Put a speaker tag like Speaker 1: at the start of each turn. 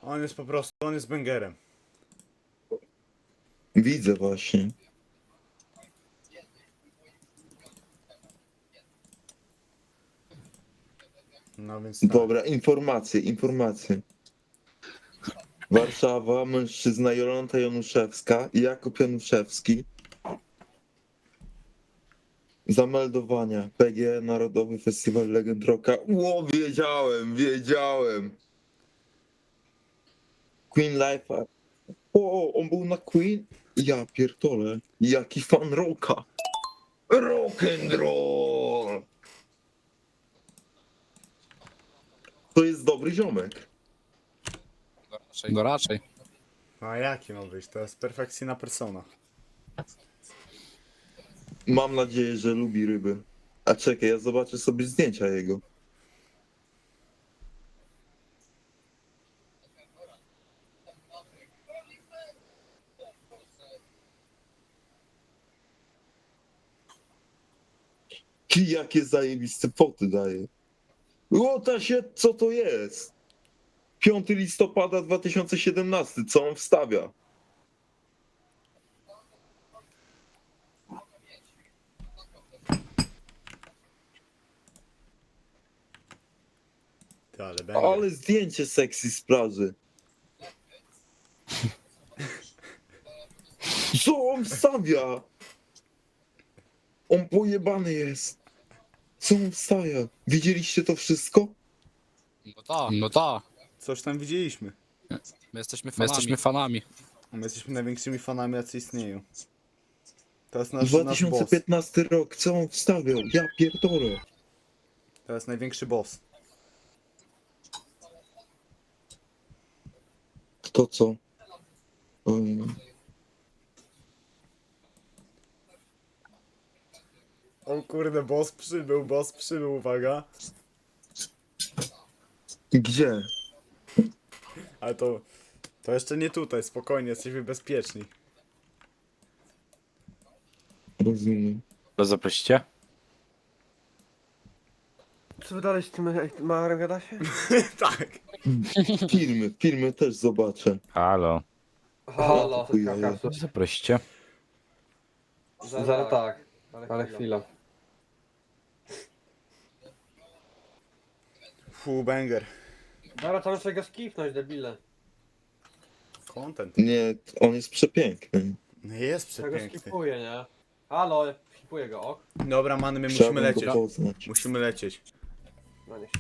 Speaker 1: On jest po prostu, on jest bęgerem.
Speaker 2: Widzę właśnie.
Speaker 1: No więc tak.
Speaker 2: Dobra, informacje. Warszawa, mężczyzna Jolanta Januszewska i Jakub Januszewski. Zameldowania. PG Narodowy Festiwal Legend Rocka. Ło, wiedziałem. Queen Life. O, on był na Queen? Ja pierdolę. Jaki fan rocka. Rock and roll. To jest dobry ziomek.
Speaker 3: No raczej.
Speaker 1: A jaki ma być? To jest perfekcyjna persona.
Speaker 2: Mam nadzieję, że lubi ryby. A czekaj, ja zobaczę sobie zdjęcia jego. Jakie zajebiste foty daje. Łota się, co to jest? 5 listopada 2017, co on wstawia?
Speaker 1: Ty, ale bęger.
Speaker 2: Ale zdjęcie sexy z plaży. Co on wstawia? On pojebany jest. Co on wstawia? Widzieliście to wszystko?
Speaker 3: No tak.
Speaker 1: Coś tam widzieliśmy.
Speaker 3: My jesteśmy fanami.
Speaker 1: My jesteśmy największymi fanami, jacy istnieją. To jest nasz boss.
Speaker 2: 2015 rok, co on wstawiał? Ja pierdolę.
Speaker 1: To jest największy boss.
Speaker 2: To co? Oj.
Speaker 1: O kurde, boss przybył, uwaga.
Speaker 2: Gdzie?
Speaker 1: Ale to jeszcze nie tutaj, spokojnie, jesteśmy bezpieczni.
Speaker 2: Rozumiem.
Speaker 4: To zaprosicie?
Speaker 5: Co wy dalej z tym Marem gadacie?
Speaker 1: Tak.
Speaker 2: Filmy też zobaczę.
Speaker 4: Halo.
Speaker 5: Halo,
Speaker 2: Chujowe.
Speaker 4: To zaprosicie?
Speaker 5: zaraz tak, ale chwila.
Speaker 1: Fu, banger.
Speaker 5: Dobra, to muszę go skipnąć, debile.
Speaker 1: Content.
Speaker 2: Nie, on jest przepiękny.
Speaker 1: No jest
Speaker 5: Ja go
Speaker 1: przepiękny.
Speaker 5: skipuję, nie? Halo, skipuję go, ok?
Speaker 1: Dobra, many, my
Speaker 2: Trzeba
Speaker 1: musimy
Speaker 2: go
Speaker 1: lecieć.
Speaker 2: poznać.
Speaker 1: Musimy lecieć.
Speaker 5: No niech